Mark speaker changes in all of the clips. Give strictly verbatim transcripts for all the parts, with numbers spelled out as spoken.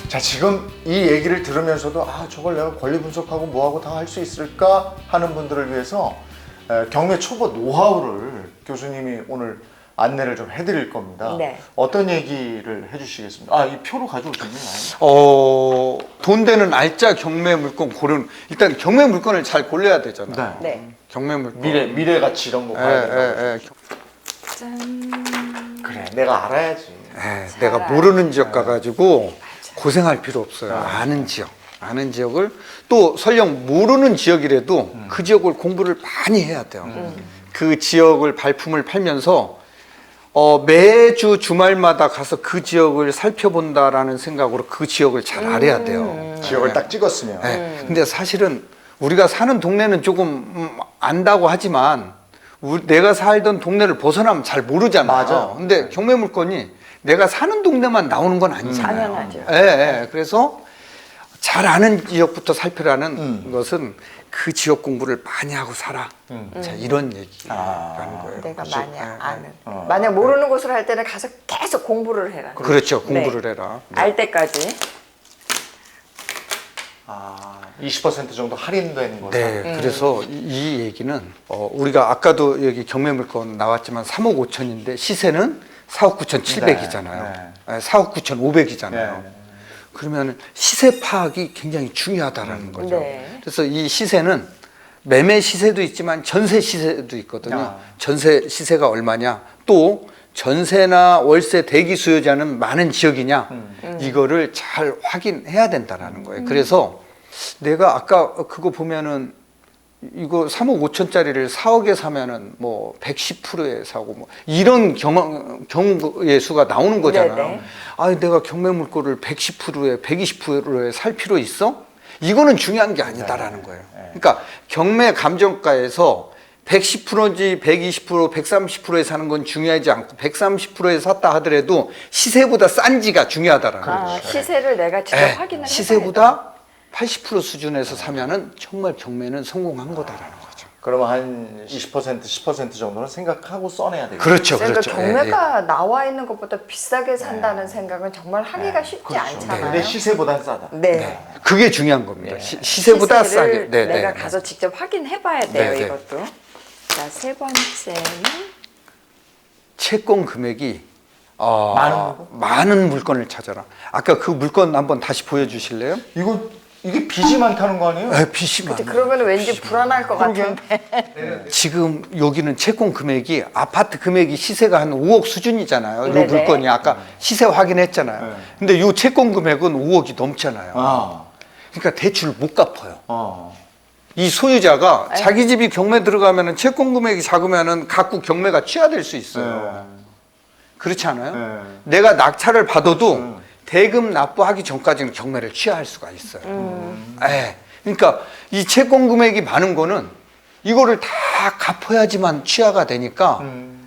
Speaker 1: 자, 지금 이 얘기를 들으면서도 아 저걸 내가 권리 분석하고 뭐하고 다 할 수 있을까 하는 분들을 위해서 에, 경매 초보 노하우를 교수님이 오늘 안내를 좀 해드릴 겁니다.
Speaker 2: 네.
Speaker 1: 어떤 얘기를 해주시겠습니까? 아, 이 표로 가져오셨나요?
Speaker 3: 어, 돈 되는 알짜 경매 물건 고르는, 일단 경매 물건을 잘 골라야 되잖아요.
Speaker 1: 네.
Speaker 2: 네.
Speaker 3: 경매 물건.
Speaker 1: 미래, 미래 가치 이런 거 봐야 된다고.
Speaker 3: 예, 예, 예.
Speaker 2: 짠.
Speaker 1: 그래, 내가 알아야지.
Speaker 3: 예,
Speaker 2: 잘
Speaker 3: 내가
Speaker 2: 알아요.
Speaker 3: 모르는 지역 가가지고
Speaker 2: 맞아.
Speaker 3: 고생할 필요 없어요.
Speaker 1: 네.
Speaker 3: 아는 지역. 아는 지역을 또 설령 모르는 지역이라도
Speaker 1: 음.
Speaker 3: 그 지역을 공부를 많이 해야 돼요.
Speaker 2: 음.
Speaker 3: 그 지역을 발품을 팔면서 어, 매주 주말마다 가서 그 지역을 살펴본다라는 생각으로 그 지역을 잘 알아야 돼요.
Speaker 2: 음.
Speaker 1: 지역을 딱 찍었으면.
Speaker 3: 네. 근데 사실은 우리가 사는 동네는 조금 음, 안다고 하지만 우리, 내가 살던 동네를 벗어나면 잘 모르잖아요.
Speaker 1: 맞아.
Speaker 3: 근데 경매 물건이 내가 사는 동네만 나오는 건 아니잖아요.
Speaker 2: 당연하죠.
Speaker 3: 예, 예. 그래서 잘 아는 지역부터 살피라는
Speaker 1: 음.
Speaker 3: 것은 그 지역 공부를 많이 하고 살아.
Speaker 1: 음.
Speaker 3: 자, 이런 얘기라는
Speaker 1: 아.
Speaker 3: 거예요.
Speaker 2: 내가
Speaker 3: 그렇죠.
Speaker 2: 만약
Speaker 3: 예, 예.
Speaker 2: 아는.
Speaker 1: 어.
Speaker 2: 만약 모르는 곳을 할 때는 가서 계속 공부를 해라.
Speaker 3: 그렇죠. 공부를
Speaker 2: 네.
Speaker 3: 해라. 네.
Speaker 2: 알 때까지.
Speaker 1: 아, 이십 퍼센트 정도 할인되는 거죠.
Speaker 3: 네, 그래서 이, 이 얘기는 어, 우리가 아까도 여기 경매 물건 나왔지만 삼억 오천인데 시세는 사억 구천칠백이잖아요.
Speaker 1: 네,
Speaker 3: 사억 구천오백이잖아요.
Speaker 1: 네.
Speaker 3: 그러면 시세 파악이 굉장히 중요하다라는 거죠.
Speaker 2: 네.
Speaker 3: 그래서 이 시세는 매매 시세도 있지만 전세 시세도 있거든요.
Speaker 1: 아.
Speaker 3: 전세 시세가 얼마냐, 또 전세나 월세 대기 수요자는 많은 지역이냐,
Speaker 1: 음.
Speaker 3: 이거를 잘 확인해야 된다라는 거예요. 그래서 내가 아까 그거 보면은 이거 삼억 오천짜리를 사억에 사면은 뭐 백십 퍼센트에 사고 뭐 이런 경우, 경우의 수가 나오는 거잖아요.
Speaker 2: 네네.
Speaker 3: 아, 내가 경매 물건을 백십 퍼센트에 백이십 퍼센트에 살 필요 있어? 이거는 중요한 게 아니다라는 거예요.
Speaker 1: 네.
Speaker 3: 그러니까 경매 감정가에서 백십 퍼센트인지 백이십 퍼센트, 백삼십 퍼센트에 사는 건 중요하지 않고 백삼십 퍼센트에 샀다 하더라도 시세보다 싼지가 중요하다라는
Speaker 2: 아,
Speaker 3: 거죠.
Speaker 2: 시세를 내가 직접
Speaker 3: 네.
Speaker 2: 확인을 해봐야
Speaker 3: 시세보다 팔십 퍼센트 수준에서 사면은 정말 경매는 성공한 거다라는 거죠.
Speaker 1: 그러면 한 이십 퍼센트, 십 퍼센트 정도는 생각하고 써내야 되겠죠.
Speaker 3: 그렇죠,
Speaker 2: 그러니까
Speaker 3: 그렇죠.
Speaker 2: 경매가 나와 있는 것보다 비싸게 산다는 생각은 정말 하기가
Speaker 1: 네.
Speaker 2: 쉽지
Speaker 1: 그렇죠.
Speaker 2: 않잖아요.
Speaker 1: 근데 시세보단 싸다.
Speaker 2: 네.
Speaker 3: 그게 중요한 겁니다.
Speaker 1: 예.
Speaker 3: 시, 시세보다 싸게.
Speaker 2: 시세를
Speaker 3: 네,
Speaker 2: 내가
Speaker 3: 네,
Speaker 2: 가서 직접 확인해 봐야 돼요,
Speaker 3: 네, 네.
Speaker 2: 이것도. 자, 세 번째는
Speaker 3: 채권 금액이 어,
Speaker 1: 많은 물건?
Speaker 3: 많은 물건을 찾아라. 아까 그 물건 한번 다시 보여주실래요?
Speaker 1: 이거 이게 빚이 많다는 거 아니에요?
Speaker 3: 에, 빚이 많아.
Speaker 2: 그러면 왠지 불안할 것
Speaker 1: 그러게.
Speaker 2: 같은데.
Speaker 3: 지금 여기는 채권 금액이 아파트 금액이 시세가 한 오억 수준이잖아요. 이
Speaker 2: 네네.
Speaker 3: 물건이 아까 시세 확인했잖아요.
Speaker 1: 네.
Speaker 3: 근데 이 채권 금액은 오억이 넘잖아요.
Speaker 1: 아,
Speaker 3: 그러니까 대출 못 갚아요.
Speaker 1: 어.
Speaker 3: 이 소유자가
Speaker 2: 아유.
Speaker 3: 자기 집이 경매 들어가면은 채권 금액이 작으면은 갖고 경매가 취하될 수 있어요. 그렇지 않아요?
Speaker 1: 네.
Speaker 3: 내가 낙찰을 받아도
Speaker 1: 음.
Speaker 3: 대금 납부하기 전까지는 경매를 취하할 수가 있어요.
Speaker 2: 음.
Speaker 3: 예. 그러니까 이 채권 금액이 많은 거는 이거를 다 갚아야지만 취하가 되니까
Speaker 1: 음.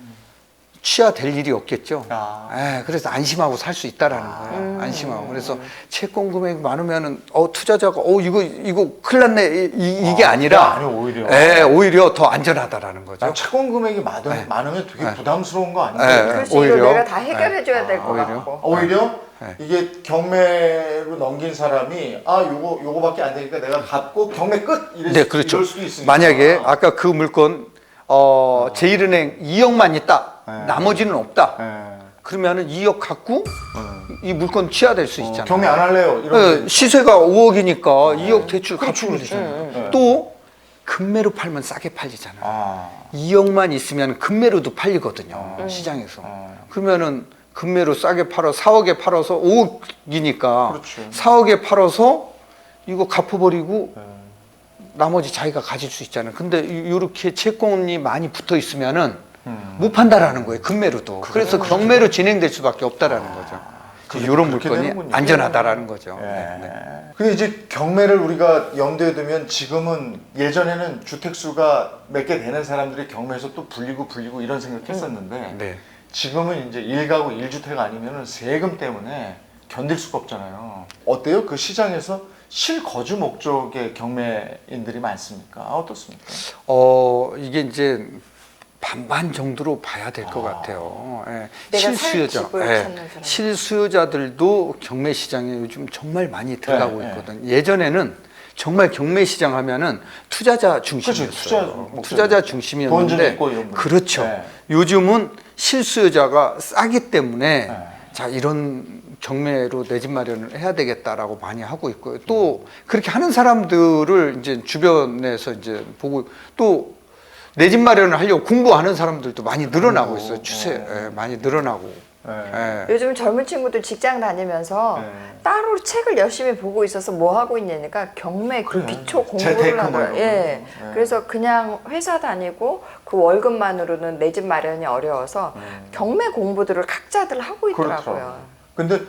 Speaker 3: 취하될 일이 없겠죠.
Speaker 1: 아.
Speaker 3: 예, 그래서 안심하고 살 수 있다라는 거예요. 안심하고. 그래서 채권 금액이 많으면은 어 투자자가 어 이거 이거 큰일 났네 이, 게
Speaker 1: 아,
Speaker 3: 아니라
Speaker 1: 아니요, 오히려.
Speaker 3: 예, 오히려 더 안전하다라는 거죠.
Speaker 1: 난 채권 금액이 많은,
Speaker 3: 네.
Speaker 1: 많으면 되게
Speaker 3: 네.
Speaker 1: 부담스러운 거
Speaker 3: 네.
Speaker 1: 아니에요?
Speaker 2: 그렇지,
Speaker 3: 오히려.
Speaker 2: 이거 내가 다 해결해 줘야 될 것
Speaker 3: 오히려.
Speaker 2: 같고.
Speaker 1: 오히려
Speaker 3: 네.
Speaker 1: 이게 경매로 넘긴 사람이 아 요거 요거밖에 안 되니까 내가 갚고 경매 끝 이럴,
Speaker 3: 네,
Speaker 1: 수,
Speaker 3: 그렇죠.
Speaker 1: 이럴 수도 있으니까.
Speaker 3: 만약에 아까 그 물건 어, 제일은행 이억만 있다.
Speaker 1: 네.
Speaker 3: 나머지는 없다.
Speaker 1: 네.
Speaker 3: 그러면은 이억 갖고 이 물건 취하될 수
Speaker 1: 어,
Speaker 3: 있잖아요.
Speaker 1: 경매 안 할래요. 이런
Speaker 3: 네, 시세가 오억이니까 이억 대출 갚으면
Speaker 1: 그렇죠.
Speaker 3: 되잖아요.
Speaker 1: 네.
Speaker 3: 또 금매로 팔면 싸게 팔리잖아요.
Speaker 1: 아.
Speaker 3: 이억만 있으면 금매로도 팔리거든요. 시장에서. 그러면은 금매로 싸게 팔아 사억에 팔아서 오억이니까
Speaker 1: 그렇죠.
Speaker 3: 사억에 팔아서 이거 갚아버리고
Speaker 1: 네.
Speaker 3: 나머지 자기가 가질 수 있잖아요. 근데 이렇게 채권이 많이 붙어 있으면은
Speaker 1: 음.
Speaker 3: 못 판다라는 거예요. 금매로도. 그래서 경매로 진행될 수밖에 없다라는 거죠.
Speaker 1: 그게
Speaker 3: 이런
Speaker 1: 그렇게
Speaker 3: 물건이
Speaker 1: 되는군요.
Speaker 3: 안전하다라는 거죠.
Speaker 1: 예.
Speaker 3: 네, 네.
Speaker 1: 근데 이제 경매를 우리가 염두에 두면 지금은 예전에는 주택수가 몇 개 되는 사람들이 경매에서 또 불리고 불리고 이런 생각했었는데
Speaker 3: 네.
Speaker 1: 지금은 이제 일가구 일주택 아니면은 세금 때문에 견딜 수가 없잖아요. 어때요? 그 시장에서 실거주 목적의 경매인들이 많습니까? 아, 어떻습니까?
Speaker 3: 어, 이게 이제 반반 정도로 봐야 될 것
Speaker 1: 아.
Speaker 3: 같아요. 예.
Speaker 2: 내가 살
Speaker 3: 실수요자,
Speaker 2: 집을
Speaker 3: 예.
Speaker 2: 찾는 사람.
Speaker 3: 실수요자들도 경매 시장에 요즘 정말 많이 들어가고
Speaker 1: 네, 네.
Speaker 3: 있거든. 예전에는 정말 경매 시장 하면은 투자자 중심이었어요.
Speaker 1: 그렇죠. 투자 목적이었죠.
Speaker 3: 투자자
Speaker 1: 돈 좀
Speaker 3: 중심이었는데
Speaker 1: 있고 이런 분.
Speaker 3: 그렇죠.
Speaker 1: 네.
Speaker 3: 요즘은 실수요자가 싸기 때문에
Speaker 1: 네.
Speaker 3: 자 이런 경매로 내 집 마련을 해야 되겠다라고 많이 하고 있고요. 또 그렇게 하는 사람들을 이제 주변에서 이제 보고 또 내 집 마련을 하려고 공부하는 사람들도 많이 늘어나고
Speaker 1: 공부,
Speaker 3: 있어요. 추세
Speaker 1: 어.
Speaker 3: 예, 많이 늘어나고.
Speaker 1: 네.
Speaker 3: 예.
Speaker 2: 요즘 젊은 친구들 직장 다니면서
Speaker 1: 네.
Speaker 2: 따로 책을 열심히 보고 있어서 뭐 하고 있냐니까 경매 그
Speaker 1: 그래.
Speaker 2: 기초
Speaker 1: 재테크
Speaker 2: 공부를
Speaker 1: 뭐
Speaker 2: 하더라고요.
Speaker 1: 이런
Speaker 2: 예.
Speaker 1: 거. 네.
Speaker 2: 그래서 그냥 회사 다니고 그 월급만으로는 내 집 마련이 어려워서 경매 공부들을 각자들 하고 있더라고요.
Speaker 1: 음. 그렇더라고요. 근데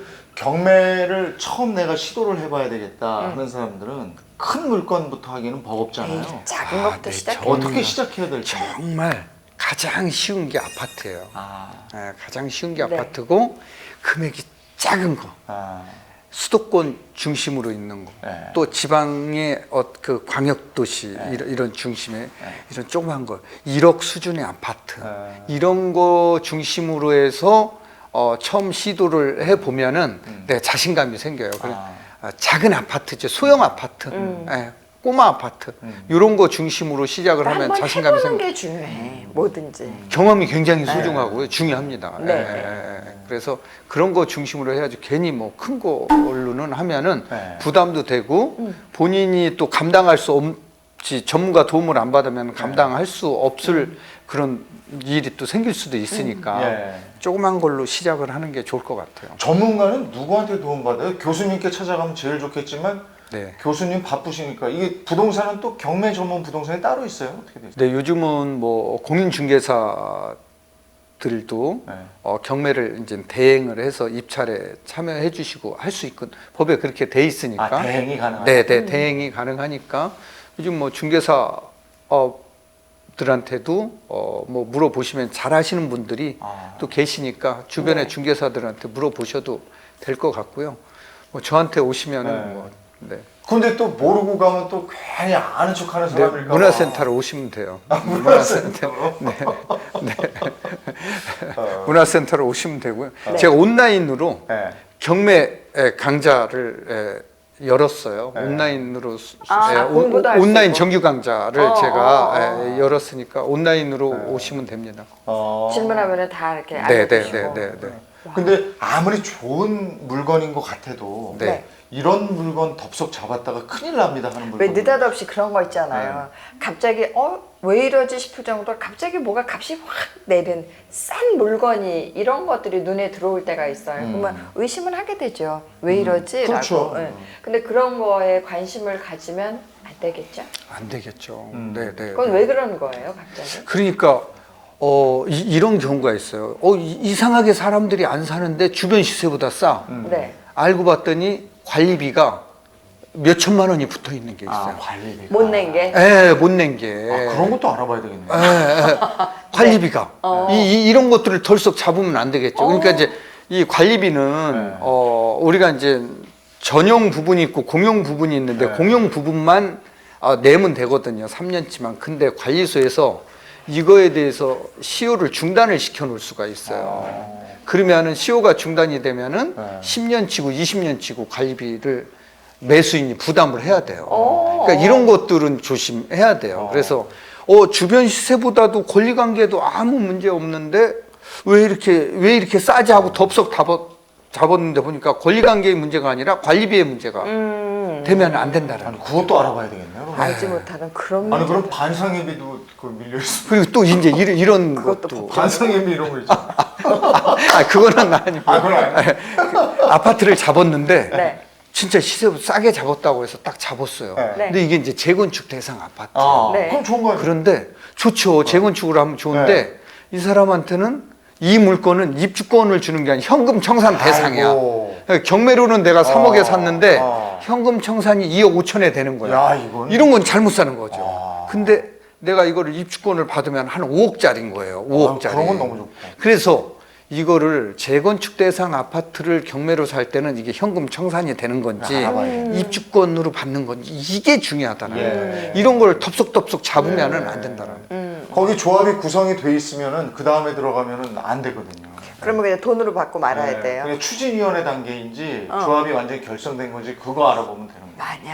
Speaker 1: 경매를 처음 내가 시도를 해봐야 되겠다 하는 사람들은 큰 물건부터 하기는 버겁잖아요.
Speaker 2: 에이, 작은
Speaker 3: 아,
Speaker 2: 것부터
Speaker 3: 네,
Speaker 2: 시작해.
Speaker 3: 저-
Speaker 1: 어떻게 시작해야 될지.
Speaker 3: 정말 가장 쉬운 게 아파트예요.
Speaker 1: 아,
Speaker 3: 예, 가장 쉬운 게
Speaker 2: 네.
Speaker 3: 아파트고 금액이 작은 거.
Speaker 1: 아,
Speaker 3: 수도권 중심으로 있는 거,
Speaker 1: 네.
Speaker 3: 또 지방의 어, 그 광역 도시
Speaker 1: 네.
Speaker 3: 이런, 이런 중심의 이런 조그만 거, 일억 수준의 아파트
Speaker 1: 네.
Speaker 3: 이런 거 중심으로 해서 어, 처음 시도를 해 보면은
Speaker 1: 음.
Speaker 3: 내 자신감이 생겨요. 그래,
Speaker 1: 아.
Speaker 3: 아, 작은 아파트죠, 소형 아파트,
Speaker 2: 음.
Speaker 3: 예, 꼬마 아파트
Speaker 1: 음.
Speaker 3: 이런 거 중심으로 시작을 하면
Speaker 2: 한번
Speaker 3: 자신감이
Speaker 2: 해보는
Speaker 3: 생겨.
Speaker 2: 게 중요해. 뭐든지.
Speaker 3: 경험이 굉장히 소중하고요, 중요합니다.
Speaker 2: 네.
Speaker 3: 예, 예, 예. 그래서 그런 거 중심으로 해야지 괜히 뭐 큰 걸로는 하면은
Speaker 1: 네.
Speaker 3: 부담도 되고
Speaker 2: 음.
Speaker 3: 본인이 또 감당할 수 없지 전문가 도움을 안 받으면 감당할 수 없을 그런 일이 또 생길 수도 있으니까
Speaker 1: 예.
Speaker 3: 조그만 걸로 시작을 하는 게 좋을 것 같아요.
Speaker 1: 전문가는 누구한테 도움받아요? 교수님께 찾아가면 제일 좋겠지만
Speaker 3: 네.
Speaker 1: 교수님 바쁘시니까 이게 부동산은 또 경매 전문 부동산이 따로 있어요? 어떻게 되죠?
Speaker 3: 네, 요즘은 뭐 공인중개사들도
Speaker 1: 네.
Speaker 3: 어, 경매를 이제 대행을 해서 입찰에 참여해 주시고 할 수 있고 법에 그렇게 돼 있으니까.
Speaker 1: 아, 대행이 가능하다?
Speaker 3: 네, 네, 대행이 가능하니까 요즘 뭐 중개사 어, 들한테도 어, 뭐 물어보시면 잘하시는 분들이
Speaker 1: 아.
Speaker 3: 또 계시니까 주변의
Speaker 2: 네.
Speaker 3: 중개사들한테 물어보셔도 될 것 같고요. 뭐 저한테 오시면은
Speaker 1: 네.
Speaker 3: 뭐 네.
Speaker 1: 근데 또 모르고 가면 또 괜히 아는 척하는
Speaker 3: 네,
Speaker 1: 사람일까 봐.
Speaker 3: 문화센터로 오시면 돼요.
Speaker 1: 문화센터.
Speaker 3: 네, 네.
Speaker 1: 어.
Speaker 3: 문화센터로 오시면 되고요.
Speaker 2: 네.
Speaker 3: 제가 온라인으로
Speaker 1: 네.
Speaker 3: 경매 강좌를 에, 열었어요.
Speaker 1: 네.
Speaker 3: 온라인으로 수-
Speaker 2: 아,
Speaker 3: 에, 오-
Speaker 2: 공부도 할수
Speaker 3: 온라인
Speaker 2: 있고.
Speaker 3: 정규 강좌를
Speaker 2: 어,
Speaker 3: 제가
Speaker 2: 어, 어.
Speaker 3: 에, 열었으니까 온라인으로
Speaker 1: 네.
Speaker 3: 오시면 됩니다.
Speaker 1: 어.
Speaker 2: 질문하면 다 이렇게
Speaker 3: 네,
Speaker 2: 알려주시고.
Speaker 3: 네, 네, 네.
Speaker 1: 근데 아무리 좋은 물건인 것 같아도
Speaker 3: 네.
Speaker 2: 네.
Speaker 1: 이런 물건 덥석 잡았다가 큰일 납니다 하는 물건.
Speaker 2: 왜 느닷없이 그런 거 있잖아요.
Speaker 1: 네.
Speaker 2: 갑자기 어 왜 이러지 싶을 정도로 갑자기 뭐가 값이 확 내린 싼 물건이 이런 것들이 눈에 들어올 때가 있어요.
Speaker 1: 음.
Speaker 2: 그러면 의심을 하게 되죠. 왜 이러지?
Speaker 1: 그렇죠.
Speaker 2: 라고. 예. 근데 그런 거에 관심을 가지면 안 되겠죠.
Speaker 3: 안 되겠죠.
Speaker 1: 음.
Speaker 3: 네, 네.
Speaker 2: 그건
Speaker 3: 네.
Speaker 2: 왜 그러는 거예요, 갑자기?
Speaker 3: 그러니까 어, 이, 런 경우가 있어요. 어, 이- 이상하게 사람들이 안 사는데 주변 시세보다 싸.
Speaker 1: 음.
Speaker 2: 네.
Speaker 3: 알고 봤더니 관리비가 몇 천만 원이 붙어 있는 게 있어요.
Speaker 1: 아, 관리비가.
Speaker 2: 못 낸 게.
Speaker 3: 예, 못 낸 게.
Speaker 1: 아, 그런 것도 알아봐야 되겠네.
Speaker 3: 예, 예. 관리비가.
Speaker 2: 어.
Speaker 3: 이, 이, 이런 것들을 덜썩 잡으면 안 되겠죠. 그러니까
Speaker 2: 어.
Speaker 3: 이제 이 관리비는
Speaker 1: 네.
Speaker 3: 어, 우리가 이제 전용 부분이 있고 공용 부분이 있는데
Speaker 1: 네.
Speaker 3: 공용 부분만 아, 내면 되거든요. 삼 년치만. 근데 관리소에서 이거에 대해서 시효를 중단을 시켜 놓을 수가 있어요.
Speaker 1: 어.
Speaker 3: 그러면은 시효가 중단이 되면은
Speaker 1: 네.
Speaker 3: 십 년치고 이십 년치고 관리비를 매수인이 부담을 해야 돼요.
Speaker 2: 어.
Speaker 3: 그러니까 이런 것들은 조심해야 돼요.
Speaker 1: 어.
Speaker 3: 그래서 어, 주변 시세보다도 권리관계도 아무 문제 없는데 왜 이렇게 왜 이렇게 싸지 하고 덥석 잡았, 잡았는데 보니까 권리관계의 문제가 아니라 관리비의 문제가
Speaker 2: 음.
Speaker 3: 되면 안 된다라는
Speaker 1: 아니,
Speaker 3: 거.
Speaker 1: 그것도 알아봐야 되겠네요. 그럼.
Speaker 2: 알지 못하는 그런
Speaker 1: 아니, 그럼
Speaker 2: 문제들.
Speaker 1: 반상회비도 그 밀려 있어.
Speaker 3: 그리고 또 이제 이런, 이런
Speaker 2: 그것도
Speaker 3: 것도
Speaker 1: 반상회비 이런 거 있잖아.
Speaker 3: 아 그거는 아니고
Speaker 1: 아, 그건 아니에요.
Speaker 3: 아파트를 잡았는데
Speaker 2: 네.
Speaker 3: 진짜 시세 싸게 잡았다고 해서 딱 잡았어요.
Speaker 1: 네.
Speaker 2: 네.
Speaker 3: 근데 이게 이제 재건축 대상 아파트.
Speaker 1: 아,
Speaker 2: 네.
Speaker 1: 그럼 좋은 거 아니에요?
Speaker 3: 그런데 좋죠. 재건축을 하면 좋은데
Speaker 1: 네.
Speaker 3: 이 사람한테는 이 물건은 입주권을 주는 게 아니라 현금 청산 대상이야.
Speaker 1: 아이고.
Speaker 3: 경매로는 내가 삼억에
Speaker 1: 어,
Speaker 3: 샀는데
Speaker 1: 어.
Speaker 3: 현금 청산이 이억 오천에 되는 거야.
Speaker 1: 야, 이건.
Speaker 3: 이런 건 잘못 사는 거죠.
Speaker 1: 아.
Speaker 3: 근데 내가 이거를 입주권을 받으면 한 오억짜리인 거예요. 오억짜리.
Speaker 1: 아, 그런 건 너무 좋고.
Speaker 3: 그래서 이거를 재건축 대상 아파트를 경매로 살 때는 이게 현금 청산이 되는 건지
Speaker 1: 알아봐야
Speaker 2: 음.
Speaker 3: 입주권으로 받는 건지 이게 중요하다는
Speaker 1: 예.
Speaker 3: 거예요. 이런 걸 덥석덥석 잡으면은 안 된다는 거예요.
Speaker 2: 음.
Speaker 1: 거기 조합이 구성이 돼 있으면은 그 다음에 들어가면은 안 되거든요.
Speaker 2: 그러면 그냥 돈으로 받고 말아야
Speaker 1: 네,
Speaker 2: 돼요.
Speaker 1: 그냥 추진위원회 단계인지
Speaker 2: 어.
Speaker 1: 조합이 완전히 결성된 건지 그거 알아보면 되는 거예요.
Speaker 2: 많이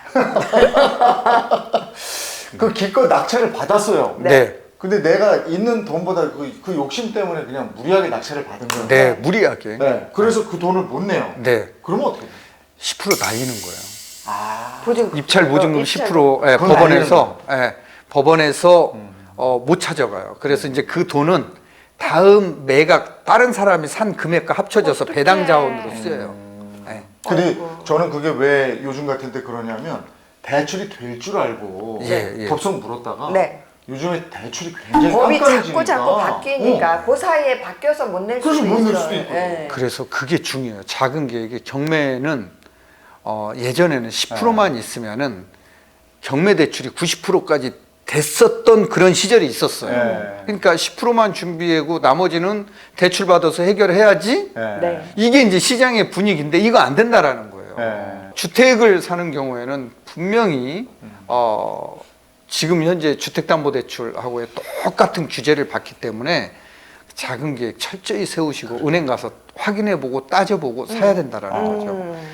Speaker 2: 알아.
Speaker 1: 그 기껏 낙찰을 받았어요.
Speaker 2: 네.
Speaker 3: 네.
Speaker 1: 근데 내가 있는 돈보다 그, 그 욕심 때문에 그냥 무리하게 낙찰을 받은 거예요.
Speaker 3: 네, 무리하게.
Speaker 1: 네. 그래서 그 돈을 못 내요.
Speaker 3: 네.
Speaker 1: 그러면 어떻게 돼요?
Speaker 3: 십 퍼센트 날리는 거예요.
Speaker 1: 아.
Speaker 2: 보증금.
Speaker 3: 입찰 보증금
Speaker 2: 어,
Speaker 3: 십
Speaker 2: 입찰.
Speaker 3: 퍼센트 예,
Speaker 1: 그건
Speaker 3: 법원에서 예, 법원에서 어, 못 찾아가요. 그래서 이제 그 돈은 다음 매각 다른 사람이 산 금액과 합쳐져서
Speaker 2: 어떡해.
Speaker 3: 배당 자원으로 쓰여요. 예.
Speaker 1: 근데
Speaker 2: 아이고.
Speaker 1: 저는 그게 왜 요즘 같은 때 그러냐면 대출이 될 줄 알고
Speaker 3: 예, 예.
Speaker 1: 덥석 물었다가
Speaker 2: 네.
Speaker 1: 요즘에 대출이 굉장히
Speaker 2: 법이
Speaker 1: 깐깐해지니까
Speaker 2: 자꾸 자꾸 바뀌니까
Speaker 1: 어.
Speaker 2: 그 사이에 바뀌어서 못 낼
Speaker 1: 그래서
Speaker 2: 수도
Speaker 1: 못 낼
Speaker 2: 있어요.
Speaker 1: 수도 있고.
Speaker 2: 예.
Speaker 3: 그래서 그게 중요해요. 작은 계획이 경매는 어, 예전에는 십 퍼센트만 있으면은 경매 대출이 구십 퍼센트까지 됐었던 그런 시절이 있었어요.
Speaker 1: 네.
Speaker 3: 그러니까 십 퍼센트만 준비하고 나머지는 대출 받아서 해결해야지.
Speaker 1: 네.
Speaker 2: 네.
Speaker 3: 이게 이제 시장의 분위기인데 이거 안 된다라는 거예요.
Speaker 1: 네.
Speaker 3: 주택을 사는 경우에는 분명히 어, 지금 현재 주택담보대출하고의 똑같은 규제를 받기 때문에 작은 계획 철저히 세우시고 은행 가서 확인해보고 따져보고 사야 된다라는 거죠.
Speaker 2: 음.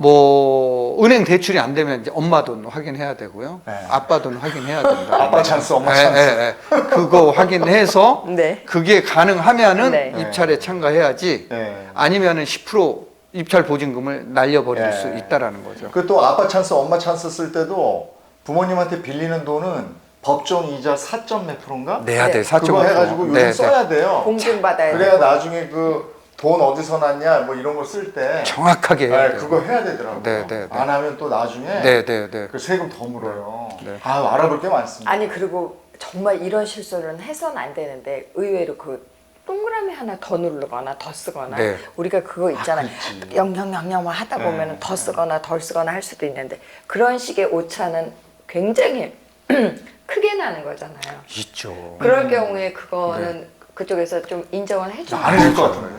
Speaker 3: 뭐 은행 대출이 안 되면 이제 엄마 돈 확인해야 되고요.
Speaker 1: 네.
Speaker 3: 아빠 돈 확인해야 된다.
Speaker 1: 아빠 찬스, 엄마
Speaker 3: 예,
Speaker 1: 찬스.
Speaker 3: 예, 예. 그거 확인해서
Speaker 2: 네.
Speaker 3: 그게 가능하면은
Speaker 2: 네.
Speaker 3: 입찰에 참가해야지.
Speaker 1: 네.
Speaker 3: 아니면은 십 퍼센트 입찰 보증금을 날려버릴
Speaker 1: 네.
Speaker 3: 수 있다라는 거죠.
Speaker 1: 그 또 아빠 찬스, 엄마 찬스 쓸 때도 부모님한테 빌리는 돈은 법정 이자 사 점 몇 프로인가?
Speaker 3: 내야
Speaker 2: 네.
Speaker 3: 돼. 사 점
Speaker 1: 그거
Speaker 3: 오 퍼센트.
Speaker 1: 해가지고 요즘
Speaker 3: 네, 네.
Speaker 1: 써야 돼요.
Speaker 2: 공증 받아야
Speaker 1: 그래야
Speaker 2: 돼.
Speaker 1: 나중에 그 돈 어디서 났냐 뭐 이런 거 쓸 때
Speaker 3: 정확하게 해야
Speaker 1: 네,
Speaker 3: 돼요.
Speaker 1: 그거 해야 되더라고요.
Speaker 3: 네, 네, 네.
Speaker 1: 안 하면 또 나중에
Speaker 3: 네, 네, 네.
Speaker 1: 그 세금 더 물어요.
Speaker 3: 네.
Speaker 1: 아 알아볼 게 많습니다.
Speaker 2: 아니 그리고 정말 이런 실수는 해서는 안 되는데 의외로 그 동그라미 하나 더 누르거나 더 쓰거나
Speaker 3: 네.
Speaker 2: 우리가 그거 있잖아.
Speaker 1: 그렇지.
Speaker 2: 영영영영만 하다
Speaker 1: 네.
Speaker 2: 보면은 더 쓰거나 덜 쓰거나 할 수도 있는데 그런 식의 오차는 굉장히 크게 나는 거잖아요.
Speaker 3: 있죠.
Speaker 2: 그럴 경우에 그거는 그쪽에서 좀 인정을 해주고
Speaker 1: 안 해줄 것 같은데.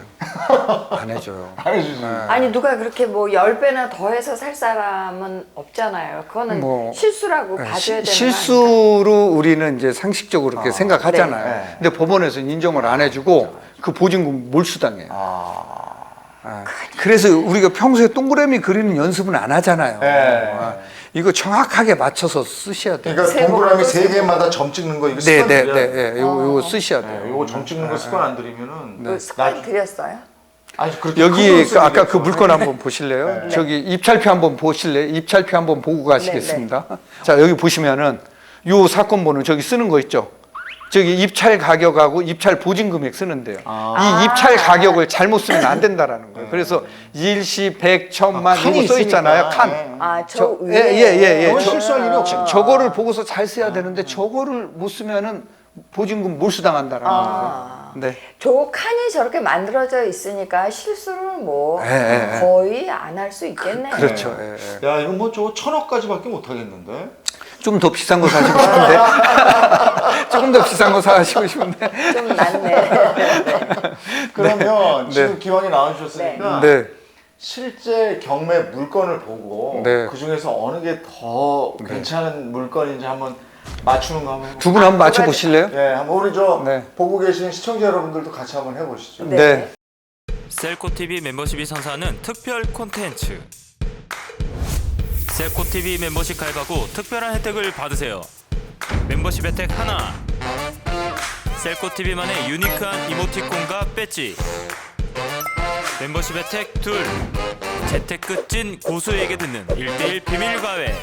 Speaker 3: 안 해줘요.
Speaker 1: 안 해주지.
Speaker 3: 네.
Speaker 2: 아니 누가 그렇게 뭐 열 배나 더해서 살 사람은 없잖아요. 그거는
Speaker 3: 뭐,
Speaker 2: 실수라고
Speaker 3: 네,
Speaker 2: 봐줘야
Speaker 3: 시-
Speaker 2: 되는 거
Speaker 3: 실수로 우리는 이제 상식적으로 그렇게
Speaker 1: 어,
Speaker 3: 생각하잖아요.
Speaker 1: 네.
Speaker 3: 근데 법원에서는 인정을 안 해주고 그 보증금 몰수당해요.
Speaker 1: 아.
Speaker 3: 아, 그래서 우리가 평소에 동그라미 그리는 연습은 안 하잖아요.
Speaker 1: 네.
Speaker 3: 아, 이거 정확하게 맞춰서 쓰셔야 돼요.
Speaker 1: 그러니까
Speaker 2: 세
Speaker 1: 동그라미
Speaker 2: 번도
Speaker 1: 세
Speaker 2: 쓰고.
Speaker 1: 개마다 점 찍는 거 이거
Speaker 3: 네,
Speaker 1: 습관
Speaker 3: 네,
Speaker 1: 들여야
Speaker 3: 네,
Speaker 1: 돼요.
Speaker 3: 네. 요거, 요거
Speaker 2: 어.
Speaker 3: 쓰셔야
Speaker 1: 네,
Speaker 3: 돼요.
Speaker 1: 요거 점 찍는 거 습관 안 들이면은
Speaker 2: 그 습관
Speaker 1: 나-
Speaker 2: 들였어요?
Speaker 1: 아니 그렇게
Speaker 3: 여기
Speaker 1: 큰
Speaker 3: 그
Speaker 1: 쓰기겠죠.
Speaker 3: 아까 그 물건 한번 보실래요?
Speaker 1: 네.
Speaker 3: 저기 입찰표 한번 보실래요? 입찰표 한번 보고 가시겠습니다. 자 여기 보시면은 요 사건 번호 저기 쓰는 거 있죠? 저기 입찰 가격하고 입찰 보증 금액 쓰는데요.
Speaker 1: 아.
Speaker 3: 이 입찰 가격을 잘못 쓰면 안 된다라는 거예요. 그래서 일시, 백, 천만
Speaker 1: 아, 칸이
Speaker 3: 이거 써 있잖아요.
Speaker 1: 있으니까.
Speaker 3: 칸.
Speaker 1: 네.
Speaker 2: 아, 저,
Speaker 3: 저-
Speaker 2: 위에.
Speaker 3: 예, 예, 예, 예.
Speaker 1: 그건
Speaker 3: 저-
Speaker 1: 실수할 일이 없죠.
Speaker 3: 저거를 보고서 잘 써야 되는데 저거를 못 쓰면은 보증금 몰수당한다라는
Speaker 2: 아.
Speaker 3: 거예요. 네.
Speaker 2: 저 칸이 저렇게 만들어져 있으니까 실수를 뭐
Speaker 3: 예, 예, 예.
Speaker 2: 거의 안 할 수 있겠네.
Speaker 3: 그렇죠. 예, 예.
Speaker 1: 야 이거 뭐 저거 천억까지밖에 못 하겠는데.
Speaker 3: 좀 더 비싼 거 사시고 싶은데 조금 더 비싼 거 사시고 싶은데
Speaker 2: 좀 낫네.
Speaker 1: 그러면
Speaker 3: 네.
Speaker 1: 지금 기왕이 나와주셨으니까
Speaker 3: 네.
Speaker 1: 실제 경매 물건을 보고
Speaker 3: 네.
Speaker 1: 그 중에서 어느 게 더 괜찮은 물건인지 한번 맞추는 거 한번 해볼까요?
Speaker 3: 두 분 한번 맞춰 보실래요?
Speaker 1: 예, 한번 우리 저
Speaker 3: 네.
Speaker 1: 보고 계신 시청자 여러분들도 같이 한번 해보시죠.
Speaker 2: 네.
Speaker 3: 네.
Speaker 4: 셀코티비 멤버십이 선사하는 특별 콘텐츠 셀코티비 멤버십 가입하고 특별한 혜택을 받으세요. 멤버십 혜택 하나, 셀코티비만의 유니크한 이모티콘과 배지. 멤버십 혜택 둘, 재테크 찐 고수에게 듣는 일 대일 비밀 과외.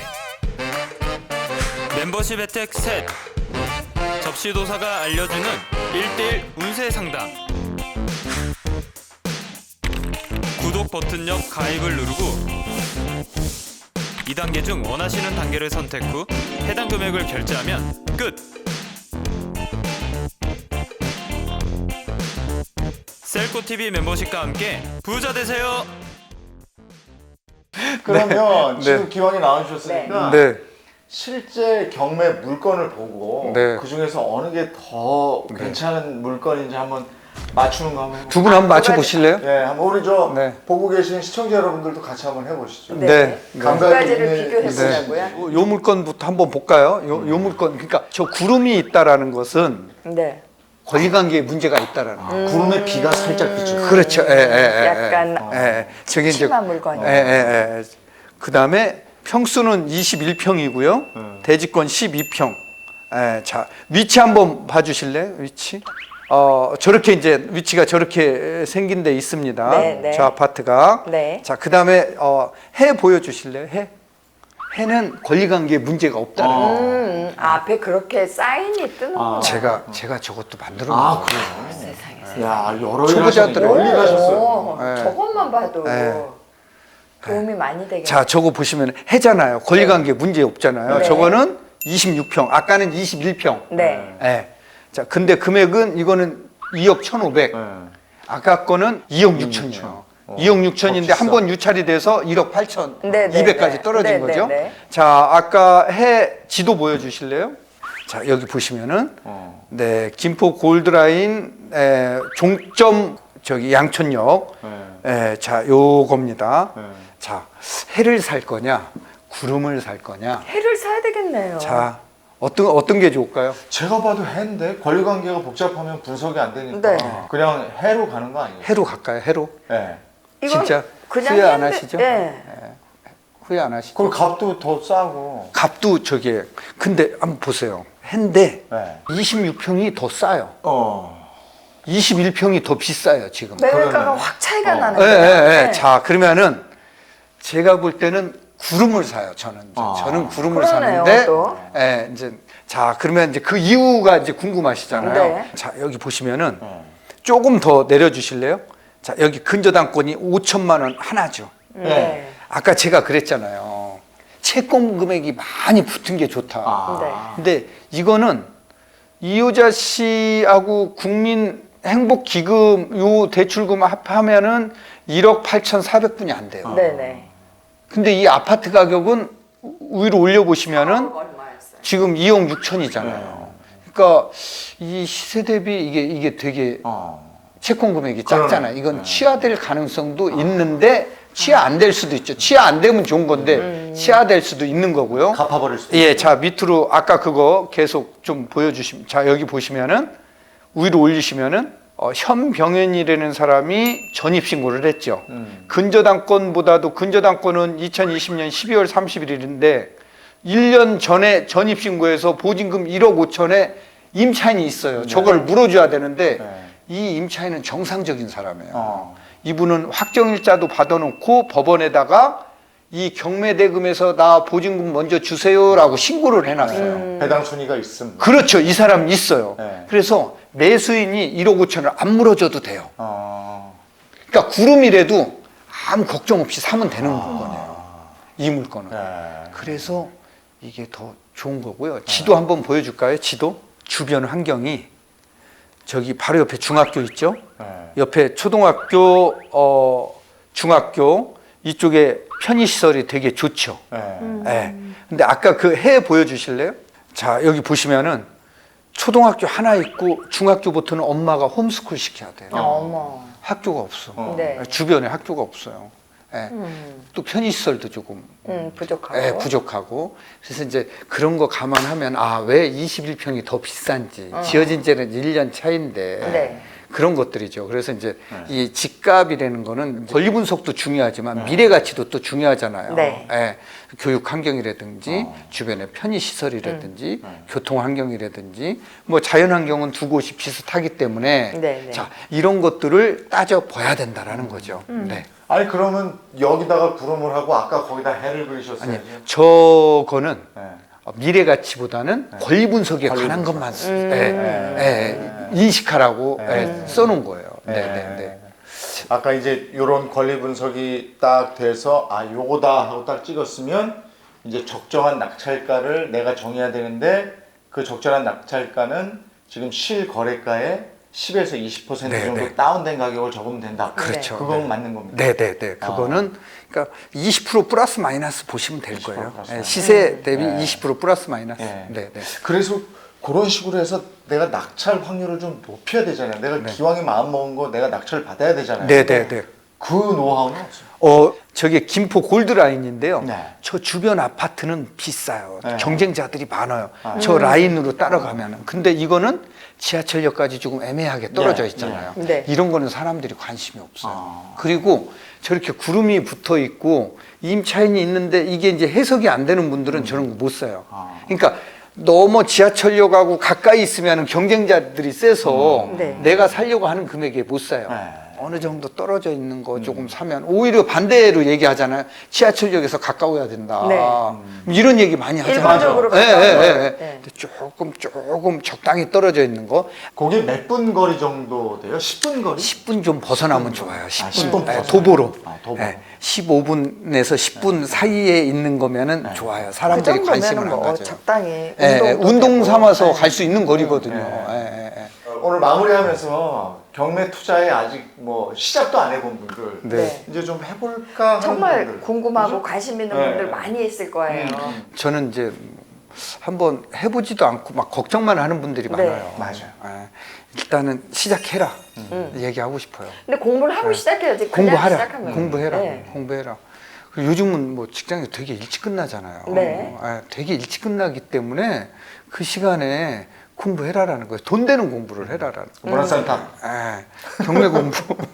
Speaker 4: 멤버십 혜택 셋, 접시도사가 알려주는 일 대일 운세 상담. 구독 버튼 옆 가입을 누르고 이 단계 중 원하시는 단계를 선택 후 해당 금액을 결제하면 끝! 셀코티비 멤버십과 함께 부자 되세요!
Speaker 1: 그러면
Speaker 3: 네.
Speaker 1: 지금 기왕이 나와주셨으니까
Speaker 3: 네.
Speaker 1: 실제 경매 물건을 보고
Speaker 3: 네.
Speaker 1: 그 중에서 어느 게 더 괜찮은 물건인지 한번 맞추는 거 한번 해볼까요?
Speaker 3: 두 분 한번 맞춰 보실래요?
Speaker 1: 예, 한번 우리 저
Speaker 3: 네.
Speaker 1: 보고 계신 시청자 여러분들도 같이 한번 해보시죠.
Speaker 2: 네.
Speaker 3: 네.
Speaker 2: 두
Speaker 1: 감각이
Speaker 2: 가지를
Speaker 1: 있는-
Speaker 2: 비교해
Speaker 1: 네.
Speaker 2: 보자고요.
Speaker 3: 요 물건부터 한번 볼까요? 요, 요 물건. 그러니까 저 구름이 있다라는 것은
Speaker 2: 네.
Speaker 3: 권리관계에 문제가 있다라는 거예요.
Speaker 1: 구름에 비가 살짝 비쳐.
Speaker 3: 그렇죠. 예, 예, 예,
Speaker 2: 약간
Speaker 3: 예, 예. 저게 이제
Speaker 2: 심한 물건이요.
Speaker 3: 예, 예, 예. 그다음에 평수는 이십일 평이고요.
Speaker 1: 음.
Speaker 3: 대지권 십이 평. 예, 자, 위치 한번 봐 주실래요? 위치? 어, 저렇게 이제 위치가 저렇게 생긴 데 있습니다.
Speaker 2: 네, 네.
Speaker 3: 저 아파트가.
Speaker 2: 네.
Speaker 3: 자, 그다음에 어, 해 보여 주실래요? 해. 해는 권리관계에 문제가 없다는
Speaker 1: 어.
Speaker 3: 거.
Speaker 2: 음, 앞에 그렇게 사인이 뜨는구나.
Speaker 1: 아.
Speaker 3: 제가 제가 저것도 만들어
Speaker 1: 아,
Speaker 3: 놓은
Speaker 1: 그래요?
Speaker 2: 세상에.
Speaker 1: 야, 여러 일
Speaker 3: 초보자들은-
Speaker 1: 하시네. 멀리 가셨어요.
Speaker 2: 오,
Speaker 3: 네.
Speaker 2: 저것만 봐도
Speaker 3: 네.
Speaker 2: 도움이 많이 되겠네.
Speaker 3: 자, 저거 보시면 해잖아요. 권리관계 문제 없잖아요.
Speaker 2: 네.
Speaker 3: 저거는 이십육 평, 아까는 이십일 평.
Speaker 2: 네.
Speaker 3: 예. 자, 근데 금액은 이거는 이억 천오백.
Speaker 1: 네.
Speaker 3: 아까 거는 이억 육천이에요.
Speaker 1: 어,
Speaker 3: 이억 육천인데
Speaker 1: 더 비싸.
Speaker 3: 한 번 유찰이 돼서 일억 팔천
Speaker 2: 네, 네,
Speaker 3: 이백까지
Speaker 2: 네.
Speaker 3: 떨어진
Speaker 2: 네,
Speaker 3: 거죠.
Speaker 2: 네, 네.
Speaker 3: 자, 아까 해 지도 보여주실래요? 자, 여기 보시면은
Speaker 1: 어.
Speaker 3: 네, 김포 골드라인 에, 종점 저기 양천역.
Speaker 1: 네.
Speaker 3: 에, 자, 요겁니다.
Speaker 1: 네.
Speaker 3: 자, 해를 살 거냐, 구름을 살 거냐.
Speaker 2: 해를 사야 되겠네요.
Speaker 3: 자, 어떤 어떤 게 좋을까요?
Speaker 1: 제가 봐도 해인데 권리관계가 복잡하면 분석이 안 되니까
Speaker 2: 네.
Speaker 1: 그냥 해로 가는 거 아니에요?
Speaker 3: 해로 갈까요? 해로?
Speaker 1: 네.
Speaker 2: 이건
Speaker 3: 진짜
Speaker 2: 그냥
Speaker 3: 후회 안
Speaker 2: 했는데-
Speaker 3: 하시죠?
Speaker 2: 네.
Speaker 3: 후회 안 하시죠?
Speaker 1: 그럼 값도 더 싸고.
Speaker 3: 값도 저게 근데 한번 보세요. 해인데
Speaker 1: 네.
Speaker 3: 이십육 평이 더 싸요.
Speaker 1: 어.
Speaker 3: 이십일 평이 더 비싸요 지금.
Speaker 2: 매매가가
Speaker 1: 그러네.
Speaker 2: 확 차이가
Speaker 1: 어.
Speaker 3: 예,
Speaker 2: 나는데요.
Speaker 3: 예, 예.
Speaker 2: 네.
Speaker 3: 자, 그러면은 제가 볼 때는 구름을 사요. 저는
Speaker 1: 아.
Speaker 3: 저는 구름을
Speaker 2: 그러네요,
Speaker 3: 사는데,
Speaker 2: 또.
Speaker 3: 예, 이제 자 그러면 이제 그 이유가 이제 궁금하시잖아요.
Speaker 2: 네.
Speaker 3: 자, 여기 보시면은
Speaker 1: 어.
Speaker 3: 조금 더 내려주실래요? 자, 여기 근저당권이 오천만 원 하나죠.
Speaker 2: 네.
Speaker 3: 아까 제가 그랬잖아요. 채권 금액이 많이 붙은 게 좋다.
Speaker 1: 아.
Speaker 3: 근데 이거는 이효자 씨하고 국민 행복기금 요 대출금 합하면은 일억 팔천사백 분이 안 돼요.
Speaker 2: 네네.
Speaker 3: 근데 이 아파트 가격은 위로 올려보시면은
Speaker 2: 얼마였어요?
Speaker 3: 지금 이억 육천이잖아요. 그러니까 이 시세 대비 이게 이게 되게
Speaker 1: 어.
Speaker 3: 채권 금액이 작잖아요.
Speaker 1: 그러네.
Speaker 3: 이건
Speaker 1: 네.
Speaker 3: 취하될 가능성도 있는데 취하 안 될 수도 있죠. 취하 안 되면 좋은 건데 취하될 수도 있는 거고요.
Speaker 1: 갚아버릴 수도
Speaker 3: 예, 자 밑으로 아까 그거 계속 좀 보여주시면 자 여기 보시면은 위로 올리시면은 어, 현병현이라는 사람이 전입신고를 했죠.
Speaker 1: 음.
Speaker 3: 근저당권보다도 근저당권은 이천이십 년 십이월 삼십일인데 일 년 전에 전입신고해서 보증금 일억 오천에 임차인이 있어요. 저걸 물어줘야 되는데
Speaker 1: 네.
Speaker 3: 이 임차인은 정상적인 사람이에요.
Speaker 1: 어.
Speaker 3: 이분은 확정일자도 받아놓고 법원에다가 이 경매대금에서 나 보증금 먼저 주세요라고 신고를 해놨어요.
Speaker 1: 배당 순위가 있음.
Speaker 3: 그렇죠. 이 사람 있어요.
Speaker 1: 네.
Speaker 3: 그래서 매수인이 일억 오천을 안 물어줘도 돼요.
Speaker 1: 어.
Speaker 3: 그러니까 구름이라도 아무 걱정 없이 사면 되는 물건이에요. 이 물건은.
Speaker 1: 네.
Speaker 3: 그래서 이게 더 좋은 거고요. 지도 한번 보여줄까요? 지도? 주변 환경이 저기 바로 옆에 중학교 있죠?
Speaker 1: 네.
Speaker 3: 옆에 초등학교, 어, 중학교 이쪽에 편의시설이 되게 좋죠.
Speaker 1: 네.
Speaker 3: 예. 근데 아까 그 해 보여주실래요? 자, 여기 보시면은 초등학교 하나 있고 중학교부터는 엄마가 홈스쿨 시켜야 돼요.
Speaker 2: 어머.
Speaker 3: 학교가 없어.
Speaker 1: 어.
Speaker 2: 네.
Speaker 3: 주변에 학교가 없어요. 예.
Speaker 2: 음,
Speaker 3: 또 편의시설도 조금
Speaker 2: 음, 부족하고.
Speaker 3: 예, 부족하고. 그래서 이제 그런 거 감안하면 아, 왜 이십일 평이 더 비싼지.
Speaker 2: 어.
Speaker 3: 지어진 지는 일 년 차인데.
Speaker 2: 네.
Speaker 3: 그런 것들이죠. 그래서 이제
Speaker 1: 네.
Speaker 3: 이 집값이라는 거는 권리 분석도 중요하지만 미래 가치도 또 중요하잖아요.
Speaker 2: 네.
Speaker 3: 예, 교육 환경이라든지
Speaker 1: 어.
Speaker 3: 주변의 편의 시설이라든지
Speaker 1: 음.
Speaker 3: 교통 환경이라든지 뭐 자연 환경은 두 곳이 비슷하기 때문에
Speaker 2: 네, 네.
Speaker 3: 자, 이런 것들을 따져 봐야 된다라는 거죠.
Speaker 2: 음.
Speaker 3: 네.
Speaker 1: 아니 그러면 여기다가 구름을 하고 아까 거기다 해를
Speaker 3: 아니,
Speaker 1: 그리셨어야지.
Speaker 3: 저거는
Speaker 1: 네.
Speaker 3: 미래 가치보다는 권리 분석에
Speaker 1: 권리
Speaker 3: 관한
Speaker 1: 분석.
Speaker 3: 것만 쓰-
Speaker 2: 음.
Speaker 3: 예, 예, 인식하라고
Speaker 1: 네.
Speaker 3: 예, 써놓은 거예요. 네,
Speaker 1: 네.
Speaker 3: 네, 네.
Speaker 1: 아까 이제 이런 권리 분석이 딱 돼서 아 요거다 하고 딱 찍었으면 이제 적정한 낙찰가를 내가 정해야 되는데 그 적절한 낙찰가는 지금 실거래가의 십에서 이십 퍼센트
Speaker 3: 네,
Speaker 1: 정도
Speaker 3: 네.
Speaker 1: 다운된 가격을 적으면 된다.
Speaker 3: 그렇죠.
Speaker 1: 그건
Speaker 3: 네.
Speaker 1: 맞는 겁니다.
Speaker 3: 네, 네, 네. 그거는 그러니까 이십 퍼센트 플러스 마이너스 보시면 될
Speaker 1: 이십 퍼센트
Speaker 3: 거예요.
Speaker 1: 플러스
Speaker 3: 예,
Speaker 1: 마이너스.
Speaker 3: 시세 대비
Speaker 1: 네.
Speaker 3: 이십 퍼센트 플러스 마이너스.
Speaker 1: 네.
Speaker 3: 네, 네.
Speaker 1: 그래서 그런 식으로 해서 내가 낙찰 확률을 좀 높여야 되잖아요. 내가
Speaker 3: 네.
Speaker 1: 기왕에 마음 먹은 거 내가 낙찰을 받아야 되잖아요.
Speaker 3: 네네네.
Speaker 1: 그 노하우는 없어요.
Speaker 3: 어, 저게 김포 골드라인인데요.
Speaker 1: 네.
Speaker 3: 저 주변 아파트는 비싸요.
Speaker 1: 네.
Speaker 3: 경쟁자들이 많아요.
Speaker 1: 아.
Speaker 3: 저 라인으로 따라가면은. 근데 이거는 지하철역까지 조금 애매하게 떨어져
Speaker 1: 네.
Speaker 3: 있잖아요.
Speaker 2: 네. 네.
Speaker 3: 이런 거는 사람들이 관심이 없어요.
Speaker 1: 아.
Speaker 3: 그리고 저렇게 구름이 붙어 있고 임차인이 있는데 이게 이제 해석이 안 되는 분들은 저런 거 못 사요.
Speaker 1: 아.
Speaker 3: 그러니까 너무 지하철역하고 가까이 있으면 경쟁자들이 세서
Speaker 2: 음. 네.
Speaker 3: 내가 살려고 하는 금액에 못 사요.
Speaker 1: 네.
Speaker 3: 어느 정도 떨어져 있는 거 조금 사면 오히려 반대로 얘기하잖아요. 지하철역에서 가까워야 된다.
Speaker 2: 네.
Speaker 3: 이런 얘기 많이 하잖아요.
Speaker 2: 일반적으로
Speaker 3: 예,
Speaker 2: 가까운
Speaker 3: 예,
Speaker 2: 거.
Speaker 3: 예, 예.
Speaker 2: 네.
Speaker 3: 근데 조금 조금 적당히 떨어져 있는 거
Speaker 1: 거기 몇 분 거리 정도 돼요? 십 분 거리?
Speaker 3: 십 분 좀 벗어나면 좋아요. 십 분,
Speaker 1: 아, 십 분
Speaker 3: 예,
Speaker 1: 벗어나요?
Speaker 3: 도보로.
Speaker 1: 아, 도보.
Speaker 3: 예, 십오 분에서 십 분 사이에 있는 거면은
Speaker 1: 네.
Speaker 3: 좋아요.
Speaker 2: 그
Speaker 3: 사람들이 관심을
Speaker 2: 정도면은
Speaker 3: 안
Speaker 2: 뭐
Speaker 3: 가져요.
Speaker 2: 적당히
Speaker 3: 예, 예,
Speaker 2: 운동도
Speaker 3: 운동
Speaker 2: 되고.
Speaker 3: 삼아서
Speaker 2: 네.
Speaker 3: 갈 수 있는 거리거든요.
Speaker 1: 네.
Speaker 3: 예, 예, 예.
Speaker 1: 오늘 마무리하면서 경매 투자에 아직 뭐 시작도 안 해본 분들
Speaker 3: 네.
Speaker 1: 이제 좀 해볼까 하는
Speaker 2: 정말
Speaker 1: 분들.
Speaker 2: 궁금하고
Speaker 1: 그죠?
Speaker 2: 관심 있는
Speaker 1: 네.
Speaker 2: 분들 많이 있을 거예요.
Speaker 1: 음.
Speaker 3: 저는 이제 한번 해보지도 않고 막 걱정만 하는 분들이
Speaker 2: 네.
Speaker 3: 많아요.
Speaker 1: 맞아요.
Speaker 3: 예, 일단은 시작해라
Speaker 2: 음.
Speaker 3: 얘기하고 싶어요.
Speaker 2: 근데 공부를 하고 시작해야지. 그냥
Speaker 3: 네. 공부하라,
Speaker 2: 시작하면.
Speaker 3: 공부해라,
Speaker 2: 네.
Speaker 3: 공부해라. 그리고 요즘은 뭐 직장이 되게 일찍 끝나잖아요.
Speaker 2: 네.
Speaker 3: 예, 되게 일찍 끝나기 때문에 그 시간에 공부해라라는 거예요. 돈 되는 공부를 해라라는 거예요.
Speaker 1: 문화센터.
Speaker 3: 예, 경매 공부.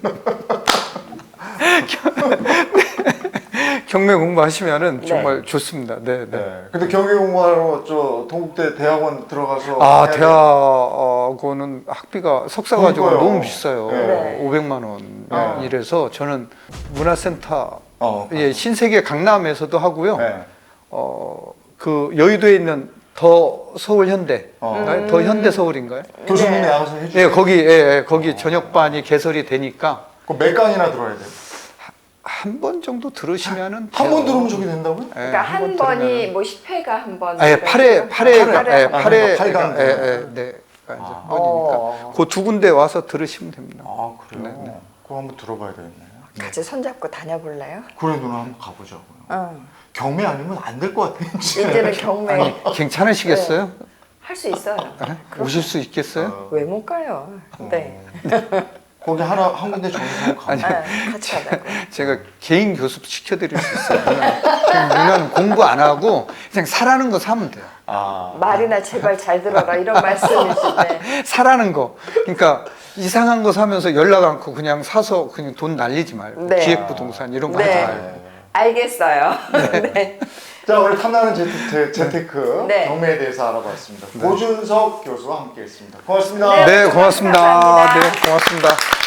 Speaker 3: 경매 공부하시면은
Speaker 2: 네.
Speaker 3: 정말 좋습니다. 네, 네.
Speaker 1: 네. 근데 경매 공부하러 저 동국대 대학원 들어가서
Speaker 3: 아,
Speaker 1: 해야 돼.
Speaker 3: 대학원은 학비가 석사 가지고
Speaker 1: 그러니까요.
Speaker 3: 너무 비싸요.
Speaker 2: 네.
Speaker 3: 오백만 원
Speaker 1: 네.
Speaker 3: 이래서 저는 문화센터
Speaker 1: 어.
Speaker 3: 예, 신세계 강남에서도 하고요.
Speaker 1: 네.
Speaker 3: 어, 그 여의도에 있는 더 서울 현대,
Speaker 1: 어.
Speaker 3: 아, 더 현대 서울인가요?
Speaker 1: 교수님이
Speaker 2: 네.
Speaker 1: 나가서 해주세요.
Speaker 3: 예, 거기 예, 예, 거기 저녁반이 개설이 되니까
Speaker 1: 그럼 몇 강이나 들어야 돼요?
Speaker 3: 한 번 정도 들으시면은
Speaker 1: 한 번
Speaker 3: 돼요.
Speaker 1: 들으면 저게 된다고요?
Speaker 3: 예,
Speaker 2: 그러니까 한,
Speaker 3: 번
Speaker 2: 번이
Speaker 3: 들으면은.
Speaker 2: 뭐 십 회가 한 번.
Speaker 3: 아, 예, 팔 회, 팔 회,
Speaker 2: 팔 회.
Speaker 3: 예, 팔 회,
Speaker 1: 팔 강.
Speaker 3: 예, 예, 네, 한
Speaker 1: 아.
Speaker 3: 번이니까 그 두 군데 와서 들으시면 됩니다.
Speaker 1: 아 그래요?
Speaker 3: 네, 네.
Speaker 1: 그거 한번 들어봐야 되겠네요.
Speaker 2: 같이 손잡고 다녀볼래요?
Speaker 1: 그래 누나 한번 가보자고요.
Speaker 2: 응.
Speaker 1: 경매 아니면 안 될 것 같아요. 진짜.
Speaker 2: 이제는 경매
Speaker 3: 아니, 괜찮으시겠어요?
Speaker 2: 할 수 있어요.
Speaker 3: 예? 오실 수 있겠어요?
Speaker 1: 어.
Speaker 2: 왜 못 가요? 네.
Speaker 1: 거기 하나 한 군데 정해서 가면
Speaker 2: 네, 같이 가자고.
Speaker 3: 제가 개인 교습 시켜드릴 수 있어요. 누나. 지금 누나는 공부 안 하고 그냥 사라는 거 사면 돼요.
Speaker 1: 아
Speaker 2: 말이나 제발 잘 들어라 이런 말씀이신데.
Speaker 3: 사라는 거. 그러니까 이상한 거 사면서 연락 않고 그냥 사서 그냥 돈 날리지 말고
Speaker 2: 네.
Speaker 3: 기획부동산 이런 거
Speaker 2: 네.
Speaker 3: 하지 말고.
Speaker 1: 네.
Speaker 2: 알겠어요. 네.
Speaker 1: 자 오늘 탐나는 재테크, 재테크
Speaker 2: 네.
Speaker 1: 경매에 대해서 알아봤습니다. 고준석 교수와 함께했습니다. 고맙습니다.
Speaker 2: 네.
Speaker 3: 네, 고맙습니다.
Speaker 2: 감사합니다.
Speaker 3: 네, 고맙습니다.